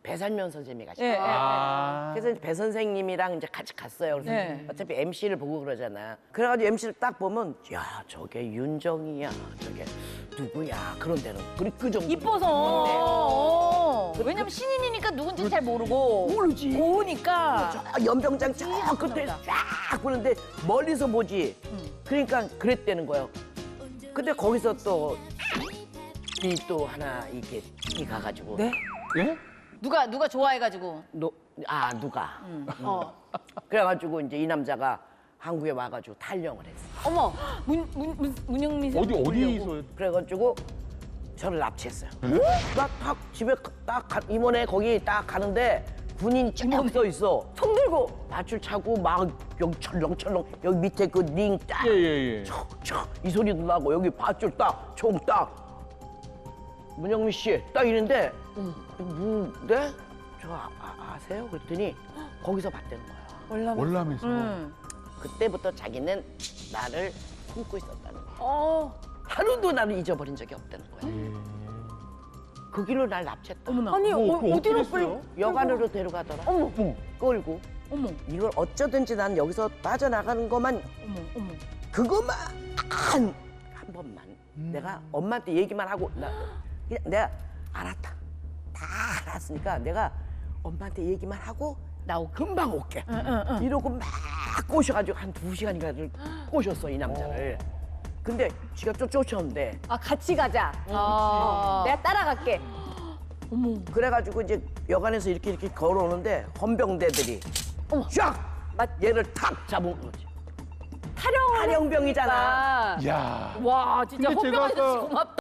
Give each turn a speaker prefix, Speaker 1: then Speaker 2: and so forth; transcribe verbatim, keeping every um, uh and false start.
Speaker 1: 배살면 선생님이 가시고.
Speaker 2: 예, 예.
Speaker 3: 아.
Speaker 1: 그래서 이제 배 선생님이랑 이제 같이 갔어요. 그래서
Speaker 2: 네.
Speaker 1: 어차피 엠씨를 보고 그러잖아. 그래가지고 엠씨를 딱 보면 야 저게 윤정이야, 저게 누구야 그런 데는 그리 그 정도.
Speaker 2: 이뻐서. 어. 왜냐면 신인이니까 누군지 잘 모르고.
Speaker 1: 모르지.
Speaker 2: 고우니까.
Speaker 1: 저 연병장 저 끝에 쫙 보는데 멀리서 보지. 그러니까 그랬다는 거예요. 근데 거기서 또 이 또 하나 이렇게 이 가가지고.
Speaker 2: 네?
Speaker 3: 예?
Speaker 2: 누가 누가 좋아해가지고.
Speaker 1: 노, 아 누가.
Speaker 2: 어.
Speaker 1: 그래가지고 이제 이 남자가 한국에 와가지고 탈영을 했어.
Speaker 2: 어머. 문, 문, 문, 문영미 씨.
Speaker 3: 어디 어디서?
Speaker 1: 그래가지고 저를 납치했어요. 나 딱 집에 딱 가, 임원회 거기 딱 가는데 군인이 쫙서 있어. 손 들고 밧줄 차고 막 여기 철렁철렁 여기 밑에 그 링 딱.
Speaker 3: 예예예.
Speaker 1: 척척 이 소리도 나고 여기 밧줄 딱, 총 딱. 문영미 씨 딱 이랬는데 뭐, 네? 저 아, 아, 아세요? 그랬더니 거기서 봤다는 거야.
Speaker 2: 월남.
Speaker 3: 월남에서.
Speaker 2: 응.
Speaker 1: 그때부터 자기는 나를 품고 있었다는 거야.
Speaker 2: 어.
Speaker 1: 하루도 나를 잊어버린 적이 없다는 거야. 그 길로 날 납치했다.
Speaker 2: 어머나.
Speaker 4: 아니
Speaker 3: 뭐,
Speaker 4: 어,
Speaker 3: 그거
Speaker 4: 어디로
Speaker 3: 어떻게
Speaker 4: 끌?
Speaker 3: 했어요?
Speaker 1: 여관으로 데려가더라.
Speaker 2: 어머.
Speaker 1: 끌고
Speaker 2: 어머.
Speaker 1: 이걸 어쩌든지 난 여기서 빠져나가는 것만
Speaker 2: 어머. 어머.
Speaker 1: 그것만 한, 한 번만
Speaker 3: 음.
Speaker 1: 내가 엄마한테 얘기만 하고 나 그냥 내가 알았다. 다 알았으니까 내가 엄마한테 얘기만 하고 나 금방 올게. 이러고 막 꼬셔가지고 한 두 시간인가 꼬셨어 이 남자를. 근데 지가 쫓, 쫓아온대.
Speaker 4: 아 같이 가자.
Speaker 2: 아.
Speaker 4: 내가 따라갈게.
Speaker 1: 그래가지고 이제 여관에서 이렇게 이렇게 걸어오는데 헌병대들이 쫙 얘를 탁 잡은 거지.
Speaker 4: 타령.
Speaker 1: 탈영병이잖아.
Speaker 3: 야.
Speaker 2: 와 진짜
Speaker 3: 근데 제가
Speaker 2: 헌병 아저씨
Speaker 3: 아까
Speaker 2: 고맙다.